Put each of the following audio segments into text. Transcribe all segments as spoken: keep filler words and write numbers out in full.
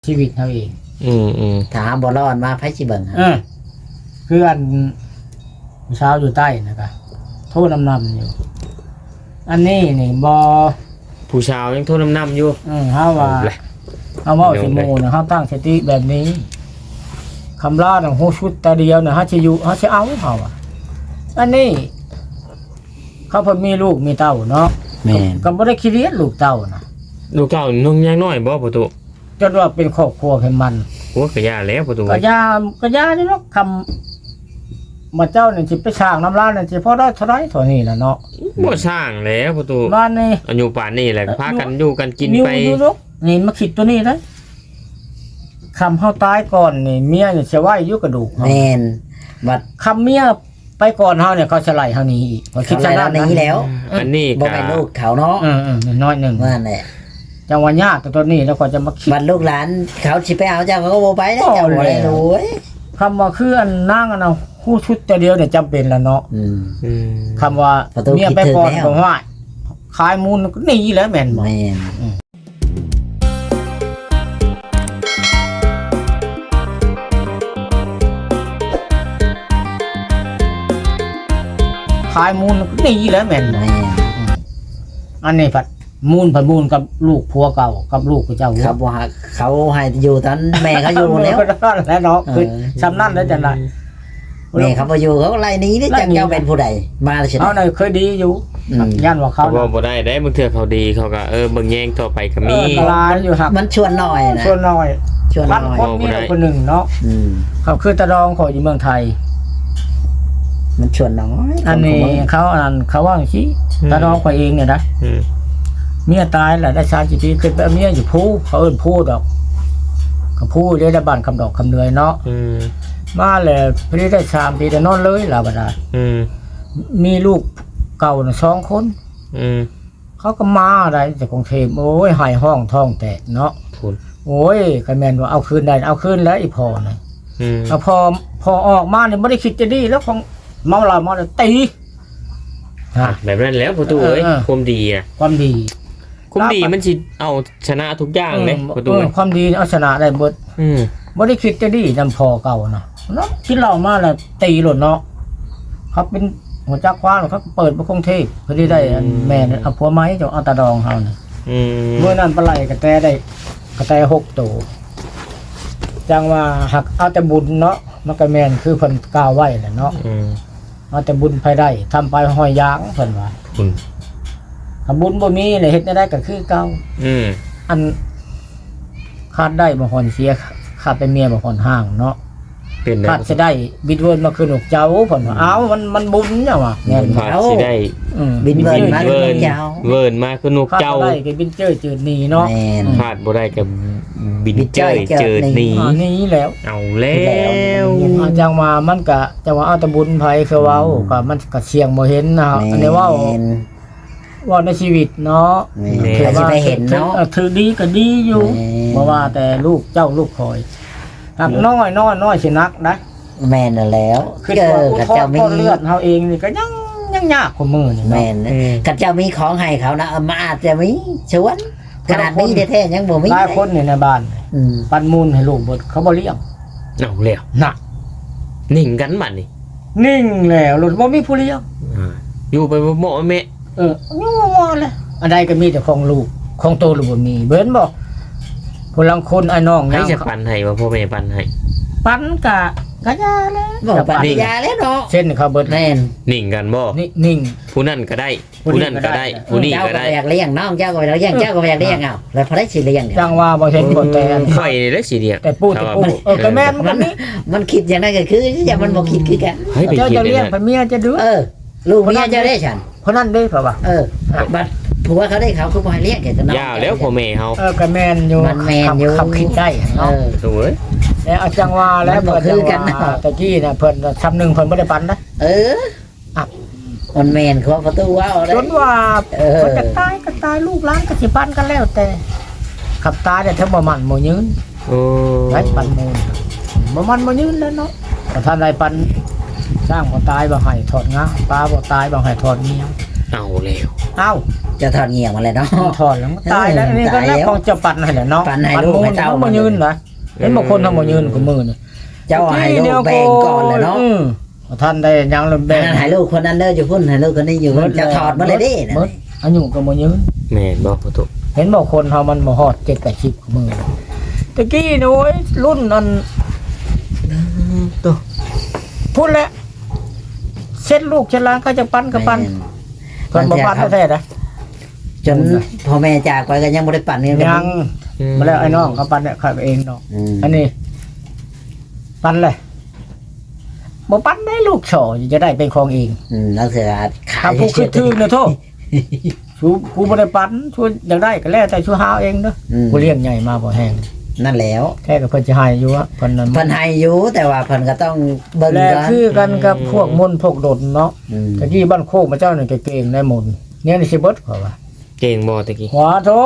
ชีวิตเขาเองอืมอืมถามบ่รอดมาไผสิเบิ่งเออคืออันเช้าอยู่ใต้นะครับโทษนำนำอยู่ อันนี้นี่บอผู้ชาวยังโทษน้ำน้ำอยู่อืมเฮาว่าเอาแหละเฮาเว้าสิโมนะเฮาตั้งสติแบบนี้คำลาของฮู้ชุดแต่เดียวน่ะเฮาสิอยู่เฮาสิเอาเฮาอ่ะอันนี้ เขาเพิ่นมีลูกมีเต้าเนาะแม่นก็บ่ได้คิดเรียนลูกเต้านะลูกเก่าน้องยังน้อยบ่ประตูจนว่าเป็นครอบครัวให้มันโอ้กระยาแล้วประตูก็ยาก็ยานี่เนาะคำมาเจ้านี่สิไปสร้างน้ำร้านนี่สิพอได้เท่าไรเท่านี้ล่ะเนาะบ่สร้างแล้วประตูบ้านนี่อายุป่านนี้แหละพากันอยู่กันกินนิ้วไปดูลูกนี่มาคิดตัวนี้นะคำเฮาตายก่อนนี่เมียนี่สิไว้อยู่กระดูกเฮาแม่นบัดคำเมียไปก่อนเฮาเนี่ยเขาจะไล่เฮาหนี้อีกเขาคิดเขาซะไล่นั้นเราหนีแล้วอันนี้บ่ก็แม่นลูกเขาเนาะเออๆน้อยหนึงว่านั่นแหละจังหวะยากแต่ตัวนี้แล้วก็จะมาคิดบัดลูกหลานเขาสิไปเอาเจ้าเขาก็บ่ไปแล้วเจ้าบ่ได้รู้เว้ยคำว่าคืออันนางอันน่ะฮู้ชุดแต่เดียวเนี่ยจำเป็นแล้วเนาะอืมอืมคำว่าประตูเมียไปก่อนคิดถึงแล้วก็ว่าขายมูลก็หนีแล้วแม่นบ่แม่นขายมูลก็หนีแล้วแม่นบ่แม่นอันนี้ผัดมูลผัดมูลกับลูกผัวเก่ากับลูกเจ้าเขาบ่ฮักเขาให้อยู่ตอนแม่เขาอยู่แล้วแล้วเนาะคือเออสำนั่นแล้วจังได๋แม่เขาบ่อยู่เขาก็ไล่หนีนี่จักเจ้าเป็นผู้ใดมาแล้วสิเอาหน่อยเคยดีอยู่อืมย่านว่าเขาเขาบ่บ่ได้ได้บางเทื่อเขาดีเขาก็เออเบิ่งแยงต่อไปก็เอมีอลายอยู่หักมันชวนหน่อยนะส่วนน้อยชวนหพันน่อยคนมีคนหนึ่งเนาะอืมเขาคือตะดองเขาอยู่เมืองไทยมันชวนน้อยอันนี้เขาอันเขาว่าอย่างนี้ตะดองเขาเองเนี่ยนะอืมเมียตายแหละได้ชาจีปีขึ้นไปเอาเมียอยู่ผู้เขาเอิ้นผู้ดอกเขาผู้ได้ได้บ้านคำดอกคำเหนื่อยเนาะอืมมาเลยพอดีได้สามปีแต่นอนเลยล่ะบัดน่ะอืมมีลูกเก่าน่ะสองคนอืมเขาก็มาได้จากกรุงเทพโอ้ยหายห้องท้องแตกเนาะพูนโอ้ยคะแมนว่าเอาคืนได้เอาคืนแล้วอีพอนะอืมเอาพอพอออกมาเนี่ยไม่ได้คิดจะดีแล้วของเมาเหล้าเมาแล้วตีฮะแบบนั้นแล้วประตูเอ้ยเออเออความดีอ่ะความดีความดีมันสิเอาชนะทุกอย่างเลยประตูเออความดีเอาชนะได้หมดอืมไม่ได้คิดจะดีนำพอเก่านะเนาะคิดเหล้ามาแล้วตีหล่นเนาะเขาเป็นหัวจักคว้าเขาเปิดประคงเทพเพื่อที่ได้อันแม่เนี่ยเอาผัวไม้จะเอาตาดองเขาเนี่ยอืมเมื่อนั้นปลาไหลกระแตได้กระแตหกตัวจังว่าหักเอาแต่บุญเนาะมันก็แม่นคือเพิ่นกล่าวไว้แหละเนาะอืมเอาแต่บุญไปได้ทำไปหอยยางเพิ่นว่าคุณถ้าบุญบ่มีเลยเฮ็ดได้ก็คือเก่าอืมอันขาดได้บ่ฮอนเสียขาดไปเมียบ่ฮอนห่างเนาะเป็นได้ขาดสิได้บิดเวิร์นมาคืนอกเจ้าเพิ่นว่าเอ้ามันมันบุญจังว่าแม่นขาดสิได้อืมบินเบิร์นมาเวิร์นเจ้าเวิร์นมาคือนกขาดเจ้าบ่ได้ก็บินเจ้อจืดหนีเนาะแม่นขาดบ่ได้กับบินบินเจ้เจ้ยยเจอเจิดหนีหนีอันนี้แล้วเอาแล้วอ่าจังว่ามันก็จังว่าเอาแต่บุญไผคือเว้าก็มันก็เสี่ยงบ่เห็นนะอันนี้เว้าแม่นว่าในชีวิตเนาะแม่นใครสิไปเห็นเนาะออถือดีก็ดีอยู่แม่นเพราะว่าแต่ลูกเจ้าลูกคอยหักน้อยน้อยน้อยสินักนะแม่นน่ะแล้วคือเจตัวอผู้กับทอเจ้าดมีทอดเลือดเฮาเองนี่ก็ยังยังยากกว่ามือนี่เนาะแม่นนะกับเจ้ามีของให้เขานะเอามาอาจจะมีชวนขนาดนี้แท้ๆยังบ่มีหลายคนนี่ในบ้านอืมปันมูลให้ลูกเบิดเขาบ่เลี้ยงเอาแล้วน่ะนิ่งกันบัดนี่นิ่งแล้วรถบ่มีผู้เลี้ยงอ่าอยู่ไปบ่เหมาะแม่เออยังว่าเลยอันใดก็มีแต่ของลูกของโตลูกบ่มีเบิ่นบ่ผู้ลังคนไอ้น้องให้ยังจะปันให้ว่าพ่อแม่ปันให้ปันกะกะยาแล้วบอกปฏิญาแล้วเนาะเช่นเขาเบิดแม่นนิ่งกันบ่นี่นิ่งผู้นั่นก็ได้ผู้ผู้นี้นั่นก็ก็ได้ได้ผู้นี้เจ้าก็ก็ได้อยากเลี้ยงน้องเจ้าก็อยากเลี้ยงเจ้าก็อยากเลี้ยงเอาแล้วพอได้สิเลี้ยงเนี่ยจังว่าบ่เห็นบ่แต่อันข่อยนี่แหละสิเดียกแต่ปูแต่ปูเออก็แม่นมันก็มีมันคิดอย่างนั้นก็คืออย่ามันบ่คิดคือกันเฮ้ยไปเจ้าคิดจะเลเลี้ยงยไปเมียจะดื้อเออ ลูกเมียเจ้าได้ฉันเพราะนั่นเด้เพราะว่าเออบัดผัวเขาได้เขาคือบ่ให้เลี้ยงแกจะน้องยาวแล้วพ่อแม่เฮาเออก็แม่นอยู่มันแม่นอยู่ขับคิดได้เอเนาะอโอ้ยแล้วเอาจังว่าแล้วมันบ่เพิ่นคือกันจังว่าเนาะตะกี้น่ะเพิ่นทำหนึงเพิ่นบ่ได้ปันนะเอออ่ะมันแม่นเขาประตูว้าวได้จนว่าเออเพิ่นจะตายก็ตายลูกหลานก็สิปันกันแล้วแต่ขับตายได้ทั้งบ่มันบ่ยืนโอ้ได้ปันมูลบ่มันบ่ยืนแล้วเนาะแต่ท่านใดปันสร้างบ่ตายบ่ให้ถอดงาปลาบ่ตายบ่ให้ถอดเมียเอาแล้วเอ้าจะถอดเงี่ยงมาเลยเนาะถอนแล้วมันตายแล้วนี่ก็แล้วของจะปั่นให้แหละเนาะปั่นให้ลูกให้เต้ามันบ่ยืนนะเห็นบางคนทำบ่ยืนกับมือนี่เจ้าให้ลูกแบ่งก่อนเลยเนาะอืมท่านได้ยังเลยแบ่แบ่งงให้ลูกคนนั้นเด้ออยู่พุ่นให้ลูกคนนี้อยู่จะถอดมาเลยดินะหมดอายุก็บ่ยืนแม่นบ่ประตูเห็นบอกคนเฮามันบ่ฮอดเจ็ดแปดสิบกับมือตะกี้นี่โอ้ยรุ่นนั้นตัวพูดแล้วเช็ดลูกเช็ดหล้างก็จะปั้นก็ปั้นเพิ่นบ่ปั้นแท้ๆนะจนพ่อแม่จากไปก็ยังบ่ได้ปั่นนี่ยังมาแล้วไอ้น้องเขาปั้นเนี่ยเขาเองเนาะอืมอันนี้ปั้นเลยบ่ปั้นได้ลูกโฉจะได้เป็นของเองอืมแล้วเสือขายถ้าผู้คือถือเนี่ยโทษชูกูบ่ได้ปั้นช่วยอยากได้ก็แล้วแต่ชูหาเองเด้ออืมกูเลี้ยงใหญ่มาบ่แห้งนั่นแล้วแค่ก็เพิ่นสิให้อยู่อะเพิ่นนั้นเพิ่นให้อยู่แต่ว่าเพิ่นก็ต้องเบิ่งและก่อนคือกันกับพวกมนต์พวกดนเนาะอืมตะกี้บ้านโคกมาเจ้านี่ก็เก่งได้มนต์เนี่ยนี่สิเบิดเขาว่าเก่งบ่ตะกี้หัวโต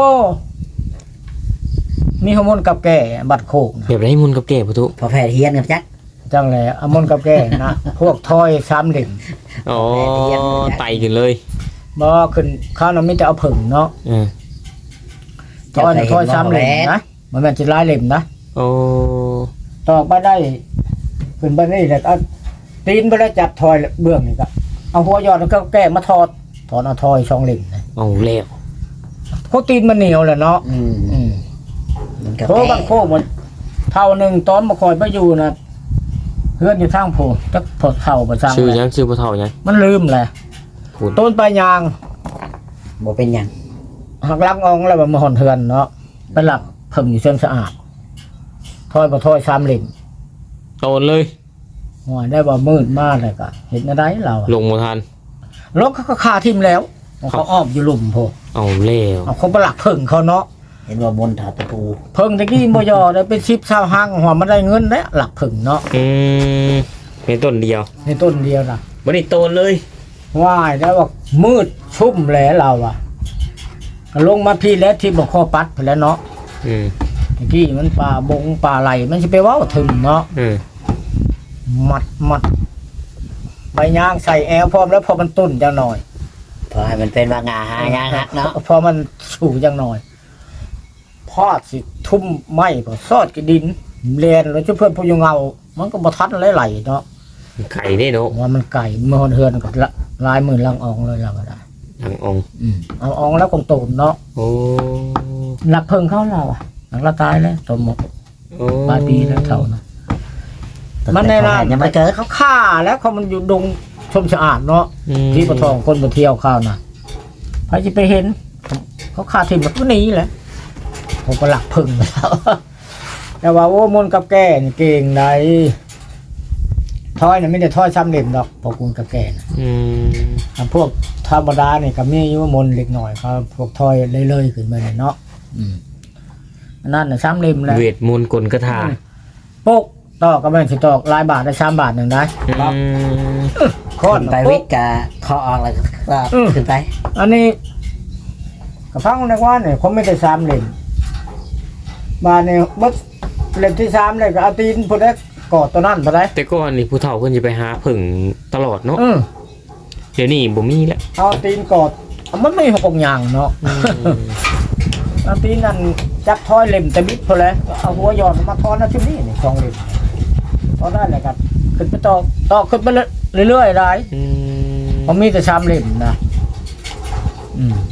มีฮอร์โมนกับแก่บัดโคกนะแบบไรมุนกับแก่ประตูพอแพทย์เฮียนกับจักจังแหละอะมนต์กับแก่นะ พวกทอยสามเหลี่ยมอ๋อไตขึ้นเลยบ่ขึ้นข้าวนั้นมีแต่เอาผึ่งเนาะเออทอยน่ะทอยสามเหลี่ยมนะมันแม่นสิหลายเหลี่ยมนะโอ้ตอกไปได้ขึ้นไปนี่แล้วก็เอาตีนไปแล้วจับทอยเบื้องนี่ก็เอาหัวยอดแล้วก็แก้มาทอดถอนเอาทอยสองเหลี่ยมนะเอาแล้วโคตีนมันเหนียวแหละเนาะอืมอืมมันก็โทรบังโคกหมดเท่าหนึ่งตอนมาคอยไปอยู่นะเพื่อนอยู่ทางโพจักพอเท่าประจังชื่อเลยยังชื่อบ่เท่ายังมันลืมแหละคุณต้นปลายยางบ่เป็นหยังหักลังอองแล้วมันมาหอนเทือนเนาะไปหลับเพิ่งอยู่เส้นสะอาดถอยมาถอยสามเหลี่ยมโตนเลยหัวได้ว่ามืดมากเลยก็เห็นอะไรเราอะลงบ่ทันรถเขาก็คาทิมแล้วเขาอ้อมอยู่หลุมโพเอาแล้วเอาเขาไปหลักเพิ่งเขาเนาะเห็นว่ามนต์ถอดตะปูเพิ่งตะกี้มยอได้เป็นชิปชาวห้างหัวมันได้เงินแล้วหลักเพิ่งเนาะอืมเป็นต้นเดียวในต้นเดียวนะบ่ได้โตนเลยว่ายแล้วว่ามืดชุ่มแหล้วเราอะก็ลงมาพี่แล้วที่บอกข้อปัดไปแล้วเนาะอืมเมื่อกี้มันปลาบงปลาไหลมันจะไปเว่าถึงเนาะอืมมัดมัดใบยางใส่แอลพร้อมแล้วพอมันตุ่นจังหน่อยพอให้มันเป็นว่างาหางาฮักเนาะพอมันสูจังหน่อยพอดสิทุ่มไม้พอซอดกระดินเรียนแล้วเจ้าเพื่อนพยุงเงามันก็บทัดไหลๆเนาะไข่ได้เนาะว่ามันไก่เมื่อเฮือนกับละลายมือลังอองเลยเราก็ได้หลังองค์อืมเอาอองแล้วคงตูนเนาะโอ้หลักเพิ่งเข้าเราอะหลังเราตายแล้วสมหมดโอ้ปลายปีแล้วเท่านะมัมันนในในร้าร้าน นยังไม่เกิดเขาฆ่าแล้วเขามันอยู่ดงชมสะอาดเนาะอืมที่ปะทองคนมาเที่ยวข้าวนะใครจะไปเห็น เขาฆ่าทิ้งแบบนี้แหละผมก็หลักพึ่งแล้ว แต่ว่าโอ้มนต์กับแก่นี่เก่งไหนทอยน่ะไม่ได้ทอยซ้ำเหลี่ยมดอกพวกคุณกับแก่นะอืมอ่ะพวกธรรมดาเนี่ยก็มีอยู่ว่ามนต์เล็กหน่อยเขาพวกทอยเลื่อยๆขึ้นมาเนี่ยเนาะอืมอันนั่นน่ะซ้ำเหลี่ยมแหล้วเวทมนต์กลกระทาปุ๊กตอกก็แม่นสิตอกหลายบาทได้สามบาทหนึ่งได้อืมโค้อนขึ้นไปวิทย์กับคอออกแล้วก็ขึ้นไปอันนี้กระพังในว่าเนี่ยผมไม่ได้สามเล่มบาทเนี่ยบดเล่มที่สามเลยก็เอาตีนพอได้กอดตัวนั่นพอได้แต่ก่อนนี่ผู้เฒ่าเพิ่นสิไปหาผึ่งตลอดเนาะอืมเดี๋ยวนี้บ่มีแล้วเอาตีนกอดมันไม่หกอย่างเนาะอืมเอาตีนนั่นจับทอยเล่มแต่บิดพอแล้วเอาหัวหยอดมาทอนนะชุดนี้นี่สองเล่มทอนได้เลยครับขึ้นไปตอกตอกขึ้นไปเรื่อยๆได้อืมผมมีแต่สามเล่มนะอืม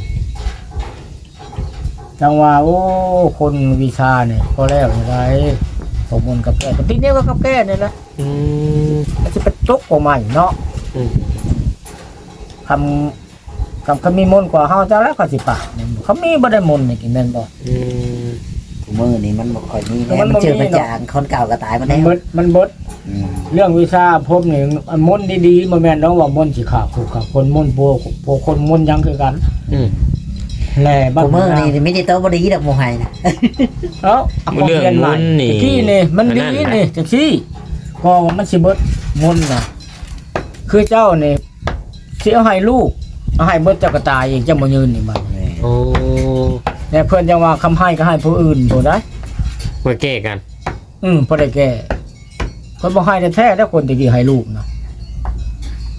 จังว่าโอ้คนวิชาเนี่ยพอแล้วอะไรผมมนกับแก่แต่ทีนี้ก็กับแก่เนี่ยนะอืมมันจะเป็นจกออกมาอีกเนาะอืมคำคำเขามีมนต์กว่าเฮาเจ้าแล้วก็สิปากเนี่ยเขามีบ่ได้มนต์นี่กินแม่นบ่อืมมือนี่มันบ่ค่อยมีมัแน่นบ่มันเจอมีประเนาะจานคนเก่าก็ตายมามัแล้นวเบิดมันเบิดอืมเรื่องวิชาพบนี่มนต์ดีๆบ่แม่นเนาะว่ามนต์สิขาดคู่กับคนมนต์โปโปคนมนต์หยังคือกันอืมแหล่บ้ากูมือนี่ไม่ได้โตบ่ดีดอกโมไฮนะเอ้าเอาของเรียนใหม่ตะกี้นี่มันดีนี่จังซี่ก็ว่ามันสิเบิดมนต์น่ะคือเจ้านี่สิเอาให้ลูกเอาให้เบิดเจ้าก็ตายเองเจ้าบ่ยืนนี่บัดโอ้แต่เพื่อนยังว่าคำให้ก็ให้ผู้อื่นผู้ได้มาแก้กันอืมพอได้แก่คนบ่ให้แท้ๆแล้วคนตะกี้ให้ลูกนะ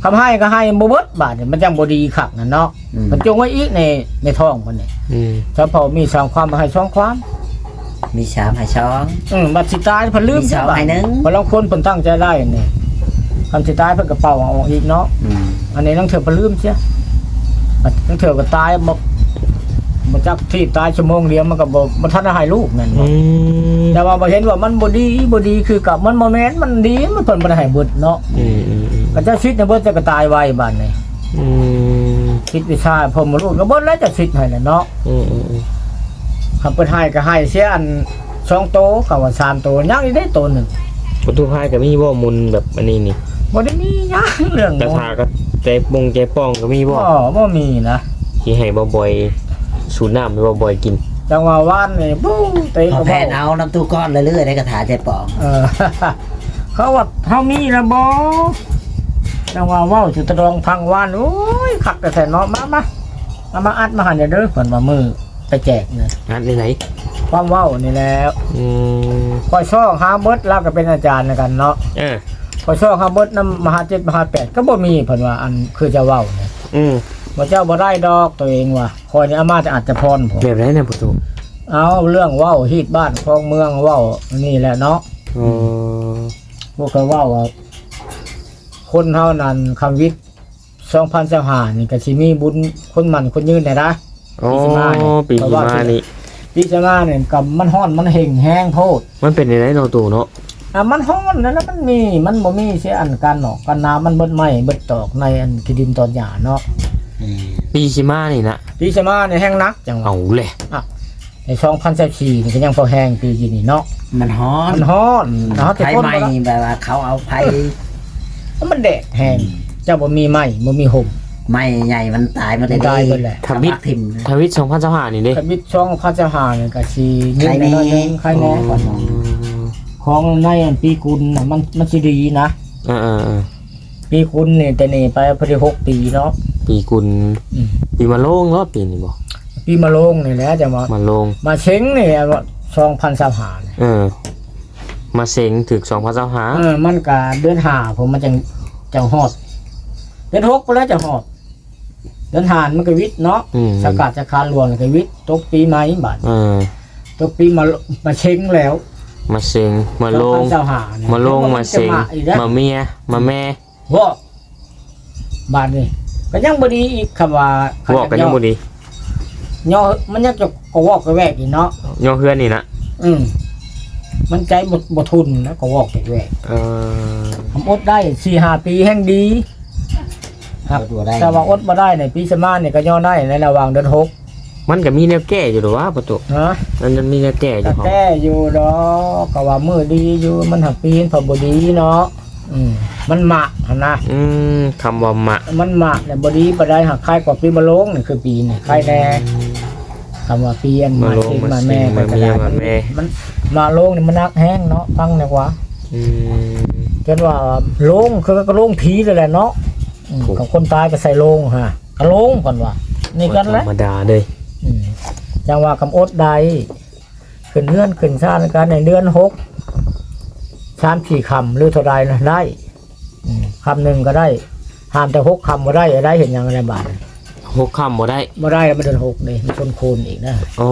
คำให้ก็ให้บ่เบิดบาดนี่มันจังบ่ดีคักนั่นเนาะอืมมันจงไว้อีกในในท้องมันนี่อืมเฉพาะมีสองความมาให้สองความมีสามให้ช้องอืมบัดสิตายเพิ่นลืมมีสองบาดให้หนึ่งบ่ลางคนเพิ่นตั้งใจได้นี่คำสิตายเพิ่นก็เป่าเอาออกอีกเนาะอืมอันนี้ต้องเถื่อเพิ่นลืมเสียบัดต้องเถื่อก็ตายบ่บ่จักที่ตายชั่วโมงเดียวมันก็บ่บ่ทันได้ให้ลูกนั่นอืเนาะมแต่ว่าบ่เห็นว่ามันบ่ดีบ่ดีคือกับมันบ่แม่นมันดีมันเพิ่นบ่ได้ให้เบิดเนาะอืมอืมอืมก็จะคิดในเบิดจะก็ตายไวบาดนี้อืมคิดวิชาผมบ่รู้ก็เบิดแล้วจะคิดให้น่ะเนาะอืมอืมอืมคำเพิ่นให้ก็ให้เสียอันสองโตก็ว่าสามโตยังอีกได้โตหนึงประตูพายก็มีบ่มุนแบบอันนี้นี่บ่ได้มีหยังเรื่องกระทาก็ใจปงใจป้องก็มีบ่บ่บ่มีนะที่ให้บ่บ่อยสูบน้ำให้บ่บ่อยกินจังว่าว่านนี่ปุ้งเตะพอก็แพบ่ทย์เอาน้ำตู้ก้อนเรื่อยๆในกระถาใจปองเออ เขาว่าเฮามีละบ่จังว่าเว้าสิตะดองพังว่านโอ้ยคักแต่แท้เนาะมามาเอามาอัดมาหันเด้อเพิ่นว่ามือไปแจกนะอันไหนความเว้านี่แหล้วๆอืมคอยช่องหาเบิดแล้วก็เป็นอาจารย์กันเนาะเออคอยช่องหาเบิดนำมหาเจ็ดมหาแปดก็บ่มีเพิ่นว่าอันคือจะเว้าเนี่ยอืมบ่เจ้าบ่ได้ดอกตัวเองว่าคอยนี่อามาจะอาจจะพรผมแบบไหนเนี่ยประตูเอาเรื่องเว้าฮีดบ้านครองเมืองเว้านี่แหละเนาะอ๋อพวกเขาเว้าว่าคนเฮานั้นคำวิทย์สองพันสิบห้านี่ก็สิมีบุญคนมันคนยืนได้นะอ๋อปีปีที่ที่มามานี่พี่จะมาเนี่ยกับมันฮ้อนมันเห่งแห้งโพดมันเป็นยังไงเนาะตู่เนาะอ่ะมันฮ้อนนั่นแล้วมันมีมันบ่มีเสียอันกันเนาะกันน้ำมันเบิดไหม้เบิดตอกในอันที่ดินตอนหญ้าเนาะอืมปีชิมานี่นะพี่จะมาเนี่ยแห้งนักจังหวะเอาเลยในสองพันสิบสี่นี่ก็ยังพอแห้งปีกี่นี่เนาะมันฮ้อนมันฮ้อนเนาะแต่ไฟคนไหม้บ่ละแบบว่าเขาเอาไฟมันแดดแห้งเจ้าบ่มีไหม้บ่มีห่มไหม้ใหญ่มันตายมาเลยตายหมดแหละทำวิททิมทวิตสองพันสิบห้านี่เด้กระบิดช่องพันสิบห้านี่ก็สิยืนใครแน่น้อยนึงใครแน่ก่อนเนาะของในอันปีกุลน่ะมันมันสิดีนะอ่าอ่าอ่าปีกุลนี่แต่นี่ไปพอดีหกปีเนาะปีกุลอืมปีมาโลงรอบปีนี่บ่ปีมะโรงนี่แหละจะมามาโลงมาเช้งนี่สองพันสามหาเนี่ยเออ มาเซ็งถึกสองพันสิบห้าเออมันก็เดือนห้าผมมันจังจังฮอดเดือนหกไปแล้วจะฮอดเดือนห้ามันก็วิทย์เนาะอืมสกัดจากคารหลวงก็วิทย์ตกปีใหม่บาดเออตกปีมามาเช้งแล้วมาเซ็งมาโลงสองพันสามห้าเนี่ยมาโลงมาเซ็งจะอีกแล้วมาเมียมาแม่ว่าบาดนี่ก็ยังบ่ดีอีกคำว่าบอกกันยังบ่ดีย่อมันยังจะก็วอกก็แวกอีกเนาะย่อเฮือนนี่นะอืมมันใจบ่บ่ทุนนะก็วอกแวกเออผมอดได้สี่ห้าปีแห่งดีครับตัวได้แต่ว่าอดมาได้ในปีสมาเนี่ยก็ย่อได้ในระหว่างเดือนหกมันก็มีแนวแก้อยู่หรอวะประตูนะมันมันมีแนวแก้อยู่แต่ของแก้อยู่ดอกก็ว่ามือดีอยู่มันหักปีนพอบดีเนาะอืมมันหมะหั่นนะอืมคำว่ามะมันหมะเนี่ยบดีปได้หักคล้ายกว่าปีมะโรงนี่คือปีนี่คล้ายแน่คำว่าปีอันมาโลงเองมาแม่เซ็งมาก็เมียได้มาแม่มันมาโรงนี่มันนักแห้งเนาะฟังดีกว่าอืมจนว่าโรงคือก็โรงผีเลยแหละเนาะอืมถูกกับคนตายก็ใส่โรงฮะก็โรงก่อนว่านี่กันแหธละรรมดาเลยอืมจังว่ากำอดใดขึ้นเลื่อนขึ้นชาติกันในเดือนหกสามสี่คำหรือเท่าไรนะได้อืมคำหนึ่งก็ได้ห้ามแต่หกคำก็ได้ได้เห็นอย่างไรบาทหกคำบ่ได้บ่ได้แล้วมันเดือนหกนี่มันชนโคนอีกนะอ๋อ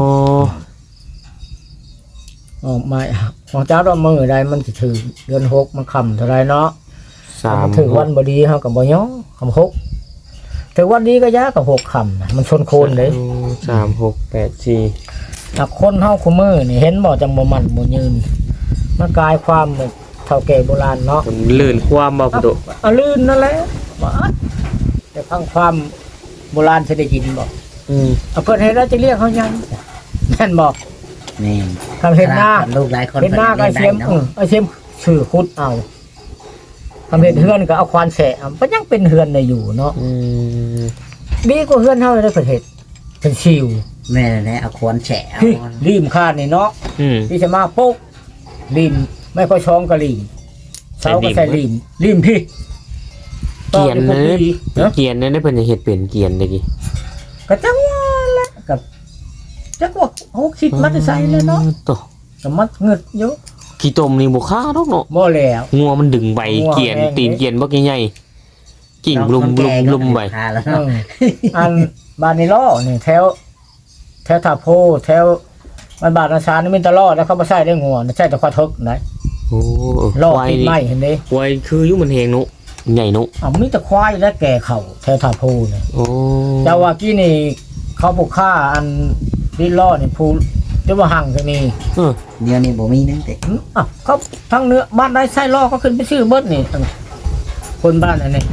ออกมาของเจ้าดอกมือใดมันจะถือเดือนหกมันคำเท่าไรเนาะสามมันถือวันบดีเขากับบ่ย่อคำหกถือวันดีก็ยากกับหกคำนะมันชนโคนเลยสามหกแปดสี่ถ้าคนเฮาคุมือนี่เห็นบ่จังบ่มันบ่ยืนมันกลายความแบบเฒ่าแก่โบราณเนาะมันลื่นความบ่ประตูอะลื่นนั่นแหละบ่อัดแต่ฟังความโบราณสิได้ยินบ่อืมเอาเพิ่นให้เราจะเรียกเขายังแม่นบ่นี่คำเห็นหน้าขดลูกหลายคนเห็นหน้าก็พิ่นเสียมได้เออเนาะเอาเสียมชื่อคุดเอาคำเห็นเฮือนก็เอาควานแสะเอามันยังเป็นเฮือนได้อยู่เนาะอืมดีกว่าเฮือนเฮาได้ประเทศเป็นชิวแม่นั่นแหละเอาควรแฉะเอาพี่ริมคาดนี่เนาะอืมพี่จะมาปุ๊บริมไม่ค่อยช้องก็ริมเสาก็ใส่ริมริมพี่เกียนต่อนะไปพวกพี่เนาะเกียนนั่นได้เพิ่นจะเฮ็ดเป็นเกียนได้กี่ก็จังว่าแหละกับจักว่าหกสิบมัดใส่เลยเนาะตัวก็มัดเงิดเยอะขี้ต้มนี่บ่ค่าดอกเนาะบ่แล้วงัวมันดึงใบงัวเกียนแห้งตีนเกียนบ่ใหญ่กิ่งน้องลุมคนลุแก่มก็ลุมไปหาแล้วเอเนาะออันบานนิโลนี่แถวแถวท่าโพแถวบ้านบาดนาชานี่มีตลอดแล้วเขาบ่ใช้ได้งัวใช้แต่ควายทึกนะโอ้ลอกควายติดนี่ไม้เห็นเด้ควายคืออยุมันแหงนุใหญ่นุอ้าวมีแต่ควายและแก่เข่าแถวท่าโพนี่โอ้แต่ว่ากี้นี่เขาผูกฆ่าอันดินล้อนี่ผู้เรียกว่าหังก็มีเออเดี๋ยวนี้บ่มีนั่นแต่อืมอ่ะเขาทั้งเนื้อบ้านได้ไส้ล้อก็ขึ้นไปชื่อเบิดนี่คนบ้านอันนี้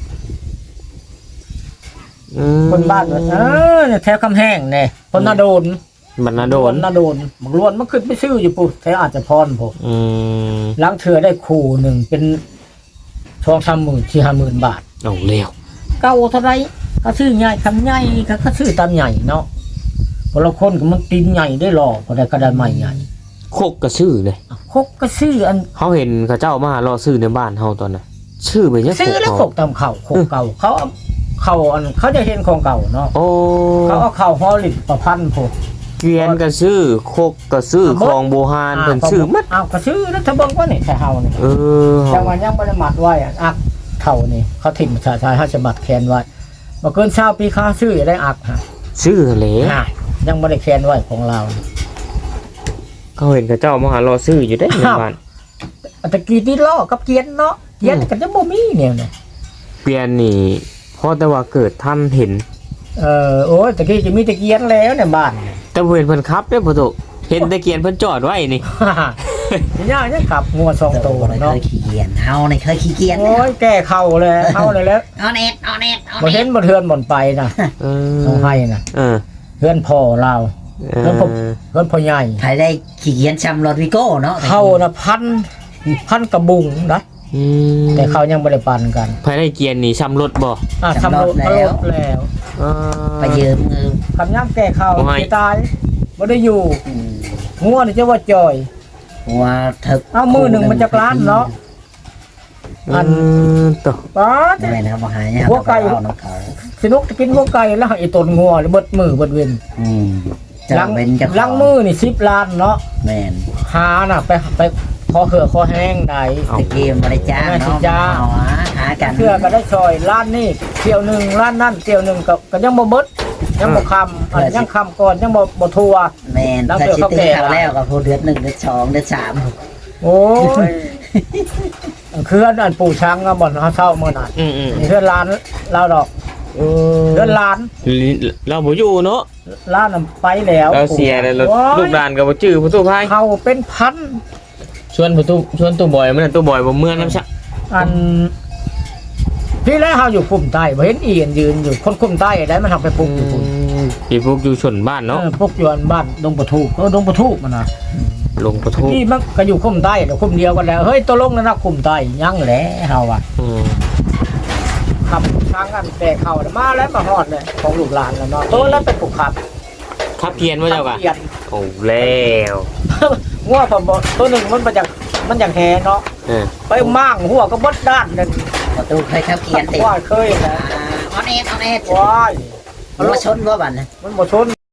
อืมคนบ้านเออเนี่ยแถวคำแห้งเนี่ยคนนาโดนบรรณาโดนนาโดนบักล้วนมันขึ้นไปชื่ออยู่ปุ๊แถวอาจจะพรผมอืมล้างเถื่อได้คู่หนึ่งเป็นทองสามหมื่นสี่ห้าหมื่นบาทเอาเร็วเก้าเท่าไรก็ซื้อใหญ่คำใหญ่ก็ก็ซื้อตามใหญ่เนาะพอเราคนก็มันตีนใหญ่ได้หรอกพอได้กระดานใหม่ใหญ่โคกกระชื่อเลยคกก็ซื้ออันเขาเห็นเขาเจ้ามารอซื้อในบ้านเฮาตอนน่ะชื่อไปเนี่ยซื้อแล้วโคคกกตามเข่าคกเก่าเขาเอาเข่าอันเขาจะเห็นของเก่าเนาะโอ้เขาเอาเข่าฮอลลิดประพันธ์ผมเกวียนกระชื่อโคกกระชื่อคลองโบฮานเพิ่นชื่อมัดอ้าวก็ซื้อแล้วถ้าเบิ่งว่านี่แค่เฮานี่เออจังหวะยังบ่ได้มัดไว้อะอักเข่านี่เขาถิ่มชายชายเขาจะมัดแขนไว้บ่เกินเช้าปีค้าซื้ออย่าได้อักฮะชื่อเหลอ่ะยังบ่ได้แขนไว้ของเราเขาเห็นเขาเจ้ามารอซื้ออยู่ได้ในบ้านอันตะกี้ที่ล้อกับเกียนเนาะเกียนก็จะบ่มีเนี่ยนะเกวียนนี่เพราะแต่ว่าเกิดท่านเห็นเออโอ้ยตะกี้จะมีตะเกียนแล้วในบ้านเนี่ยแต่บ่เห็นเพิ่นขับเด้อพ่อโตเห็นแต่เกวียนเพิ่นจอดไว้นี่ย่าเนี่ยขับงัวสองโตตัวเลยเคเนาะยขี้เกียจเฮานี่เคยขี้เกียจโอ้ยแก้เข่าเลยเข่าเลยแล้วเอาเน็ตเอาเน็ตเอาบ่เน็เห็ตนบ่เทือนบ่นไปนะเออต้องให้นะเออเพื่อนพ่อเราเอเพื่อนพ่ออเพื่อนพ่อใหญ่ใครได้ขี้เกียจชำรถวิโก้เนาะเข้านะพันพันกระบุงนะอืมแต่เขายังบ่ได้ปันกันภายในเกียนนี่ซ้ำรถบ่อ่ะทำรถแล้วแล้วเออไปยืมเงินคำย่ำแก้เข่าโอ้ยสิตายบ่ได้อยู่อืมงัวนี่จะว่าจอยว่าถึกเอามือหนึ่งมันจะกล้านเนาะ อันเออต่อป๊าดไม่นะครับบ่หายเนี่ยหัวไก่เอาน้ำเขาสนุกจะกินหัวไก่แล้วไอ้ตนงัวเลยเบิดมือเบิดเวนอืมจะลังเป็นจะลังมือนี่สิบล้านเนาะแม่นหาน่ะไปไปคอเหือคอแห้งใดตะเกมบริจ้างไม่สิเนาะจ้างเอาหาหากันเชื่อก็ได้ซอยล้านนี่เที่ยวหนึ่งล้านนั่นเที่ยวหนึ่งก็ก็ยังบ่เบิดยังบ่คำอันยังคำก่อนยังบ่บ่ทัวแม่นแล้วถ้าเดี๋ยวชิเขาตีแก่เขาแล้วก็พูดเดือนหนึ่งเดือนสองเดือนสามโอ้ยคืออันปู่ช้างอะบ่อนเขาเช่าเมื่อนั้นอืมอืมนี่เพื่อนร้านเราดอกเออเพื่อนร้านเราบ่อยู่เนาะร้านน่ะไปแล้วเราเสียเลยเราโอ้ยลูกหลานกับบ่จื้อพ่อตู้พายเขาเป็นพันชวนพ่อตู้ชวนตู้บอยมันนะตู้บอยบ่เมื่อน้ำชะอันพี่แล้วเขาอยู่คุมใต้บ่เห็นอีอันยืนอยู่คนคุมใต้ได้มันทำไปปลุกอยู่พุ่นปีพวกอยู่ชนบ้านเนาะเออปลุกอยู่อันบ้านดงประทูเออดงประทูมันน่ะลงพ่อทูนี่มันก็อยู่คุมใต้เดี๋ยวคุมเดียวกันแล้วเฮ้ยตัวลงแล้วนะคุมใต้ยังแหละเฮาอ่ะอืมขับทางกันแต่เขาน่ะมาแล้วมาฮอดเลยของลูกหลานแล้วเนาะตัวแล้วไปปลุกขับขับเพียนว่าเจ้ากะเปลี่ยนโอ้แล้วงัวผมบอกตัวหนึ่งมันมาจากมันจากแหเนาะเออไปมั่างหัวก็บดด้านนั่นประตูเคยขับเกียนติดว่าเคยนะเอาเน็ตเอาเน็ตว้ายมันมาชนว่าบันนะมันบ่ชน